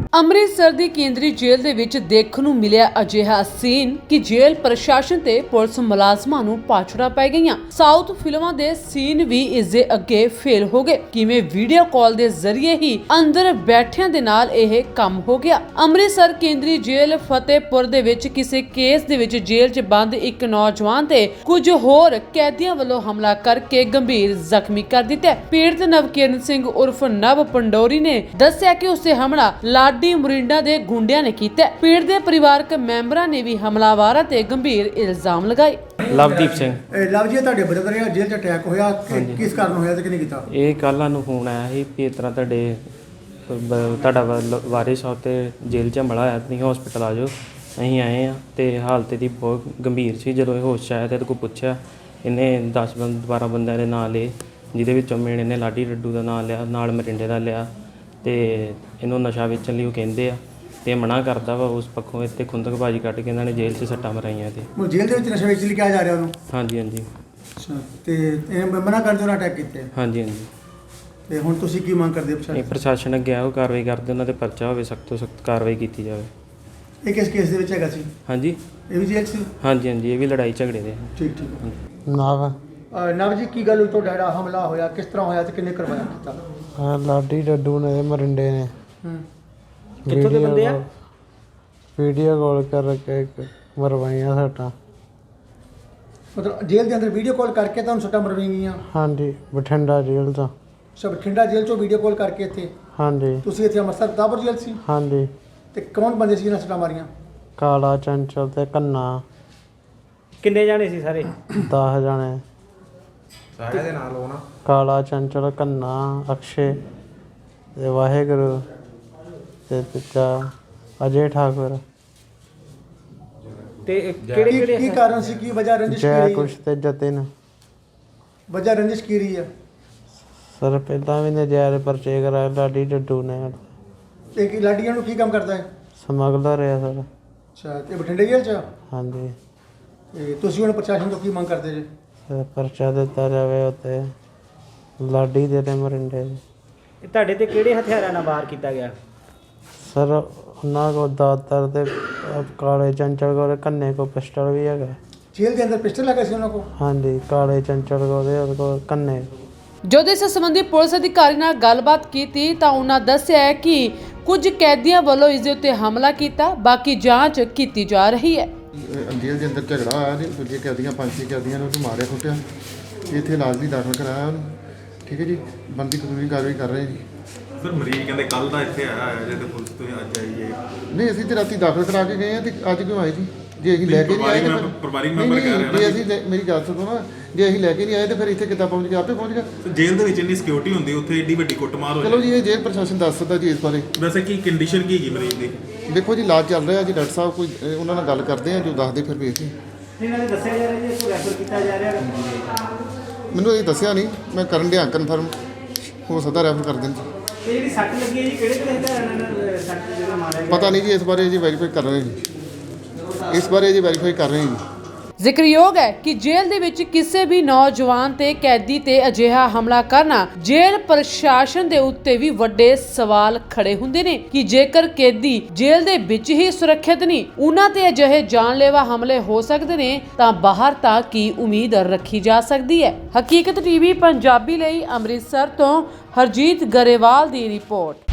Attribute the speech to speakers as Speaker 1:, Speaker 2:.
Speaker 1: ਅੰਮ੍ਰਿਤਸਰ ਦੀ ਕੇਂਦਰੀ ਜੇਲ੍ਹ ਦੇ ਵਿੱਚ ਦੇਖਣ ਨੂੰ ਮਿਲਿਆ ਅਜਿਹਾ ਸੀਨ ਕਿ ਜੇਲ੍ਹ ਪ੍ਰਸ਼ਾਸਨ ਤੇ ਪੁਲਿਸ ਮੁਲਾਜ਼ਮਾਂ ਨੂੰ ਪਾਛੜਾ ਪੈ ਗਈਆਂ। ਸਾਊਥ ਫਿਲਮਾਂ ਦੇ ਸੀਨ ਵੀ ਇਸ ਦੇ ਅੱਗੇ ਫੇਲ ਹੋ ਗਏ। ਕਿਵੇਂ ਵੀਡੀਓ ਕਾਲ ਦੇ ਜ਼ਰੀਏ ਹੀ ਅੰਦਰ ਬੈਠਿਆਂ ਦੇ ਨਾਲ ਇਹ ਕੰਮ ਹੋ ਗਿਆ। ਅੰਮ੍ਰਿਤਸਰ ਕੇਂਦਰੀ ਜੇਲ੍ਹ ਫਤਿਹਪੁਰ ਦੇ ਵਿੱਚ ਕਿਸੇ ਕੇਸ ਦੇ ਵਿੱਚ ਜੇਲ੍ਹ 'ਚ ਬੰਦ ਇੱਕ ਨੌਜਵਾਨ ਤੇ ਕੁਝ ਹੋਰ ਕੈਦੀਆਂ ਵੱਲੋਂ ਹਮਲਾ ਕਰਕੇ ਗੰਭੀਰ ਜ਼ਖਮੀ ਕਰ ਦਿੱਤਾ। ਪੀੜਤ ਨਵਕਿਰਨ ਸਿੰਘ ਉਰਫ ਨਵ ਪੰਡੋਰੀ ਨੇ ਦੱਸਿਆ ਕਿ ਉਸੇ ਹਮਲਾ ਲਾਡੀ ਮੁਰਿੰਡਾ ਦੇ ਗੁੰਡਿਆਂ ਨੇ ਕੀਤਾ। ਪੀੜਤ ਦੇ ਪਰਿਵਾਰਕ ਮੈਂਬਰਾਂ ਨੇ ਵੀ ਹਮਲਾਵਰਾਂ ਤੇ ਗੰਭੀਰ ਇਲਜ਼ਾਮ ਲਗਾਏ।
Speaker 2: ਲਵਦੀਪ ਸਿੰਘ
Speaker 3: ਲਵ ਜੀ ਤੁਹਾਡੇ ਬ੍ਰਦਰ ਆ ਜੇਲ੍ਹ 'ਚ ਅਟੈਕ ਹੋਇਆ, ਕਿਸ ਕਾਰਨ ਹੋਇਆ ਤੇ ਕਿਹਨੇ ਕੀਤਾ?
Speaker 2: ਇਹ ਕੱਲ੍ਹ ਸਾਨੂੰ ਫੋਨ ਆਇਆ ਸੀ ਕਿ ਇਸ ਤਰ੍ਹਾਂ ਤੁਹਾਡਾ ਵਾਰਿਸ ਸਾਹਿਬ ਤੇ ਜੇਲ੍ਹ 'ਚ ਹਮਲਾ ਹੋਇਆ, ਤੁਸੀਂ ਹਸਪੀਟਲ ਆ ਜਾਓ। ਅਸੀਂ ਆਏ ਹਾਂ ਤੇ ਹਾਲਤ ਇਹਦੀ ਬਹੁਤ ਗੰਭੀਰ ਸੀ। ਜਦੋਂ ਇਹ ਹੋਸ਼ 'ਚ ਆਇਆ ਤੇ ਇਹਦੇ ਕੋਲ ਪੁੱਛਿਆ, ਇਹਨੇ 10-12 ਬੰਦਿਆਂ ਦੇ ਨਾਂ ਲਏ, ਜਿਹਦੇ ਵਿੱਚੋਂ ਮੇਨ ਇਹਨੇ ਲਾਡੀ ਡੱਡੂ ਦਾ ਨਾਂ ਲਿਆ, ਨਾਲ ਮਰਿੰਡੇ ਦਾ ਲਿਆ ਤੇ ਇਹਨੂੰ ਨਸ਼ਾ ਵੇਚਣ ਲਈ ਉਹ ਕਹਿੰਦੇ ਆ ਤੇ ਮਨਾ ਕਰਦਾ ਵਾ। ਉਸ ਪੱਖੋਂ ਇੱਥੇ ਖੁੰਦਕਬਾਜੀ ਕੱਢ ਕੇ ਇਹਨਾਂ ਨੇ ਜੇਲ੍ਹ 'ਚ ਸੱਟਾਂ ਮਰਾਈਆਂ ਤੇ
Speaker 3: ਜੇਲ੍ਹ ਦੇ ਵਿੱਚ ਨਸ਼ਾ ਵੇਚ ਲਈ ਕਿਹਾ ਜਾ ਰਿਹਾ ਉਹਨੂੰ?
Speaker 2: ਹਾਂਜੀ ਹਾਂਜੀ।
Speaker 3: ਅੱਛਾ, ਤੇ ਇਹ ਮਨਾ ਕਰਦੇ ਉਹਨਾਂ ਅਟੈਕ ਕੀਤੇ?
Speaker 2: ਹਾਂਜੀ ਹਾਂਜੀ।
Speaker 3: ਤੇ ਹੁਣ ਤੁਸੀਂ ਕੀ ਮੰਗ ਕਰਦੇ ਹੋ?
Speaker 2: ਇਹ ਪ੍ਰਸ਼ਾਸਨ ਅੱਗੇ ਆਓ, ਕਾਰਵਾਈ ਕਰਦੇ, ਉਹਨਾਂ ਤੇ ਪਰਚਾ ਹੋਵੇ, ਸਖਤ ਤੋਂ ਸਖਤ ਕਾਰਵਾਈ ਕੀਤੀ ਜਾਵੇ।
Speaker 3: ਇਹ ਕਿਸ ਕੇਸ ਦੇ ਵਿੱਚ ਹੈਗਾ ਸੀ?
Speaker 2: ਹਾਂਜੀ,
Speaker 3: ਇਹ ਵੀ ਜੇਲ੍ਹ ਸੀ?
Speaker 2: ਹਾਂਜੀ ਹਾਂਜੀ, ਇਹ ਵੀ ਲੜਾਈ ਝਗੜੇ ਦੇ।
Speaker 3: ਠੀਕ ਠੀਕ।
Speaker 4: ਨਵ
Speaker 3: ਜੀ ਕੀ ਗੱਲ ਹੋਈ, ਤੁਹਾਡਾ ਜਿਹੜਾ ਹਮਲਾ ਹੋਇਆ ਕਿਸ ਤਰ੍ਹਾਂ ਹੋਇਆ ਤੇ ਕਿੰਨੇ ਕਰਵਾਇਆ ਕੀਤਾ?
Speaker 4: ਲਾਡੀ ਡੱਡੂ ਨੇ ਮਰਿੰਡੇ ਨੇ
Speaker 2: ਕਿੱਥੋਂ ਦੇ ਬੰਦੇ ਆ?
Speaker 4: ਵੀਡੀਓ ਕਾਲ ਕਰਕੇ ਮਰਵਾਈਆਂ ਸੱਟਾਂ।
Speaker 3: ਮਤਲਬ ਜੇਲ੍ਹ ਦੇ ਅੰਦਰ ਵੀਡੀਓ ਕਾਲ ਕਰਕੇ ਤੁਹਾਨੂੰ ਸੱਟਾਂ ਮਰਵਾਈਆਂ ਗਈਆਂ?
Speaker 4: ਹਾਂਜੀ, ਬਠਿੰਡਾ ਜੇਲ੍ਹ ਤੋਂ।
Speaker 3: ਸਭ ਬਠਿੰਡਾ ਜੇਲ੍ਹ 'ਚੋਂ ਵੀਡੀਓ ਕਾਲ ਕਰਕੇ ਇੱਥੇ?
Speaker 4: ਹਾਂਜੀ।
Speaker 3: ਤੁਸੀਂ ਇੱਥੇ ਅੰਮ੍ਰਿਤਸਰ ਦਾਬਰ ਜੇਲ੍ਹ ਸੀ?
Speaker 4: ਹਾਂਜੀ।
Speaker 3: ਤੇ ਕੌਣ ਬੰਦੇ ਸੀ ਜਿਹਨਾਂ ਸੱਟਾਂ ਮਾਰੀਆਂ?
Speaker 4: ਕਾਲਾ ਚੰਚਲ ਤੇ ਕੰਨਾ।
Speaker 2: ਕਿੰਨੇ ਜਾਣੇ ਸੀ ਸਾਰੇ?
Speaker 4: 10 ਜਾਣੇ।
Speaker 5: ਸਾਰਿਆਂ ਦੇ ਨਾਲ ਹੋਣਾ?
Speaker 4: ਕਾਲਾ ਚੰਚਲ, ਕੰਨਾ, ਅਕਸ਼ੇ ਤੇ ਵਾਹਿਗੁਰੂ ਤੇ ਤੀਜਾ ਅਜੇ ਠਾਕੁਰ।
Speaker 2: ਤੇ ਕਿਹੜੇ
Speaker 3: ਕੀ ਕਾਰਨ ਸੀ, ਕੀ ਵਜ੍ਹਾ ਰੰਜਿਸ਼ ਕੀ
Speaker 4: ਜੈ
Speaker 3: ਰਹੀ?
Speaker 4: ਕੁਸ਼ ਤੇ ਜਤਿਨ।
Speaker 3: ਵਜ੍ਹਾ ਰੰਜਿਸ਼ ਕੀ ਰਹੀ ਹੈ?
Speaker 4: ਸਰ ਪਹਿਲਾਂ ਵੀ ਨਜਾਇਜ਼ ਪਰਚੇ ਕਰਾਏ ਲਾਡੀ ਡੱਡੂ ਨੇ।
Speaker 3: ਤੇ ਕੀ ਲਾਡੀਆਂ ਨੂੰ ਕੀ ਕੰਮ ਕਰਦਾ ਹੈ?
Speaker 4: ਸਮਗਲਰ ਹੈ ਸਰ।
Speaker 3: ਅੱਛਾ, ਤੇ ਬਠਿੰਡੇ ਜੇਲ੍ਹ 'ਚ?
Speaker 4: ਹਾਂਜੀ।
Speaker 3: ਤੇ ਤੁਸੀਂ ਹੁਣ ਪ੍ਰਸ਼ਾਸਨ ਤੋਂ ਕੀ ਮੰਗ ਕਰਦੇ ਜੀ?
Speaker 4: ਪਰਚਾ ਦਿੱਤਾ ਜਾਵੇ ਉੱਤੇ ਲਾਡੀ ਦੇ ਤੇ ਮਰਿੰਡੇ ਦੇ।
Speaker 2: ਤੁਹਾਡੇ ਤੇ ਕਿਹੜੇ ਹਥਿਆਰਾਂ ਨਾਲ ਵਾਰ ਕੀਤਾ ਗਿਆ?
Speaker 4: ਸਰ ਉਹਨਾਂ ਕੋਲ ਦਾਤਰ ਤੇ ਕਾਲੇ ਚੰਚਲ ਕੋਲ ਕੰਨੇ ਕੋ ਪਿਸਟਲ ਵੀ ਹੈਗਾ।
Speaker 3: ਜੇਲ੍ਹ ਦੇ ਅੰਦਰ ਪਿਸਟਲ ਲੱਗਾ ਸੀ ਉਹਨਾਂ ਕੋਲ?
Speaker 4: ਹਾਂਜੀ, ਕਾਲੇ ਚੰਚਲ ਉਹਦੇ ਕੋਲ ਕੰਨੇ।
Speaker 1: ਜਦੋਂ ਇਸ ਸੰਬੰਧੀ ਪੁਲਿਸ ਅਧਿਕਾਰੀ ਨਾਲ ਗੱਲਬਾਤ ਕੀਤੀ ਤਾਂ ਉਹਨਾਂ ਦੱਸਿਆ ਹੈ ਕਿ ਕੁਝ ਕੈਦੀਆਂ ਵੱਲੋਂ ਇਸ ਦੇ ਉੱਤੇ ਹਮਲਾ ਕੀਤਾ, ਬਾਕੀ ਜਾਂਚ ਕੀਤੀ ਜਾ ਰਹੀ ਹੈ।
Speaker 6: ਜੇਲ੍ਹ ਦੇ ਅੰਦਰ ਝਗੜਾ ਆਇਆ ਤੇ ਦੂਜੇ ਕੈਦੀਆਂ 5-6 ਕੈਦੀਆਂ ਨੂੰ ਮਾਰਿਆ ਕੁੱਟਿਆ। ਇੱਥੇ ਇਲਾਜ ਲਈ ਦਾਖਲ ਕਰਾਇਆ ਉਹਨੂੰ। ਠੀਕ ਹੈ ਜੀ, ਬਣਦੀ ਕਾਨੂੰਨੀ ਕਾਰਵਾਈ ਕਰ ਰਹੇ ਜੀ।
Speaker 5: ਫਿਰ ਮਰੀਜ਼ ਕਹਿੰਦੇ ਕੱਲ ਦਾ ਇੱਥੇ ਆਇਆ ਜੇ ਤੇ ਪੁਲਿਸ ਤੋਂ ਅੱਜ ਆਈਏ।
Speaker 6: ਨਹੀਂ, ਅਸੀਂ ਤੇ ਰਾਤੀ ਦਾਖਲ ਕਰਾ ਕੇ ਗਏ ਆ ਤੇ ਅੱਜ ਕਿਉਂ ਆਏ ਜੀ? ਜੇ ਅਸੀਂ ਲੈ ਕੇ ਨਹੀਂ ਆਏ ਤਾਂ
Speaker 5: ਪਰਿਵਾਰਿਕ ਮੈਂਬਰ ਕਹਿ ਰਿਹਾ ਨਾ,
Speaker 6: ਜੇ ਅਸੀਂ ਮੇਰੀ ਗੱਲ ਸੁਣੋ ਨਾ, ਜੇ ਅਸੀਂ ਲੈ ਕੇ ਨਹੀਂ ਆਏ ਤਾਂ ਫਿਰ ਇੱਥੇ ਕਿੱਦਾਂ ਪਹੁੰਚ ਗਿਆ? ਆਪੇ ਪਹੁੰਚ ਗਿਆ।
Speaker 5: ਜੇਲ੍ਹ ਦੇ ਵਿੱਚ ਇੰਨੀ ਸਿਕਿਉਰਿਟੀ ਹੁੰਦੀ, ਉੱਥੇ ਏਡੀ ਵੱਡੀ ਕੁੱਟਮਾਰ ਹੋ
Speaker 6: ਚਲੋ ਜੀ, ਇਹ ਜੇਲ੍ਹ ਪ੍ਰਸ਼ਾਸਨ ਦੱਸ ਸਕਦਾ ਜੀ ਇਸ ਬਾਰੇ।
Speaker 5: ਵੈਸੇ ਕੀ ਕੰਡੀਸ਼ਨ ਕੀ ਹੈਗੀ ਮਰੀਜ਼ ਦੀ?
Speaker 6: ਦੇਖੋ ਜੀ, ਇਲਾਜ ਚੱਲ ਰਿਹਾ ਜੀ। ਡਾਕਟਰ ਸਾਹਿਬ ਕੋਈ ਉਹਨਾਂ ਨਾਲ ਗੱਲ ਕਰਦੇ ਆ, ਜੋ ਦੱਸਦੇ ਫਿਰ ਵੇਖਦੇ।
Speaker 2: ਇਹਨਾਂ ਨੇ ਦੱਸਿਆ ਜਾ ਰਿਹਾ ਜੀ ਇਸ ਨੂੰ ਰੈਫਰ ਕੀਤਾ ਜਾ ਰਿਹਾ।
Speaker 6: ਮੈਨੂੰ ਇਹ ਦੱਸਿਆ ਨਹੀਂ, ਮੈਂ ਕਰਨ ਡਿਆ ਕਨਫਰਮ, ਹੋ ਸਕਦਾ ਰੈਫਰ ਕਰ ਦੇਣ।
Speaker 2: ਇਹ ਜਿਹੜੀ ਸੱਟ ਲੱਗੀ ਹੈ ਜੀ, ਕਿਹੜੇ ਹਥਿਆਰਾਂ ਨਾਲ ਸੱਟ ਜਿਹੜਾ ਮਾਰਿਆ ਗਿਆ?
Speaker 6: ਪਤਾ ਨਹੀਂ ਜੀ, ਇਸ ਬਾਰੇ ਜੀ ਵੈਰੀਫਾਈ ਕਰ ਰਹੇ ਜੀ। ਇਸ ਬਾਰੇ ਜੀ ਵੈਰੀਫਾਈ ਕਰ ਰਹੇ ਜੀ।
Speaker 1: ਜ਼ਿਕਰਯੋਗ ਹੈ ਕਿ ਜੇਲ੍ਹ ਦੇ ਵਿੱਚ ਕਿਸੇ ਵੀ ਨੌਜਵਾਨ ਤੇ ਕੈਦੀ ਤੇ ਅਜਿਹਾ ਹਮਲਾ ਕਰਨਾ ਜੇਲ੍ਹ ਪ੍ਰਸ਼ਾਸਨ ਦੇ ਉੱਤੇ ਵੀ ਵੱਡੇ ਸਵਾਲ ਖੜੇ ਹੁੰਦੇ ਨੇ ਕਿ ਜੇਕਰ ਕੈਦੀ ਜੇਲ੍ਹ ਦੇ ਵਿੱਚ ਹੀ ਸੁਰੱਖਿਅਤ ਨਹੀਂ, ਉਹਨਾਂ ਤੇ ਅਜਿਹੇ ਜਾਨਲੇਵਾ ਹਮਲੇ ਹੋ ਸਕਦੇ ਨੇ ਤਾਂ ਬਾਹਰ ਤਾਂ ਕੀ ਉਮੀਦ ਰੱਖੀ ਜਾ ਸਕਦੀ ਹੈ। ਹਕੀਕਤ ਟੀਵੀ ਪੰਜਾਬੀ ਲਈ ਅੰਮ੍ਰਿਤਸਰ ਤੋਂ ਹਰਜੀਤ ਗਰੇਵਾਲ ਦੀ ਰਿਪੋਰਟ।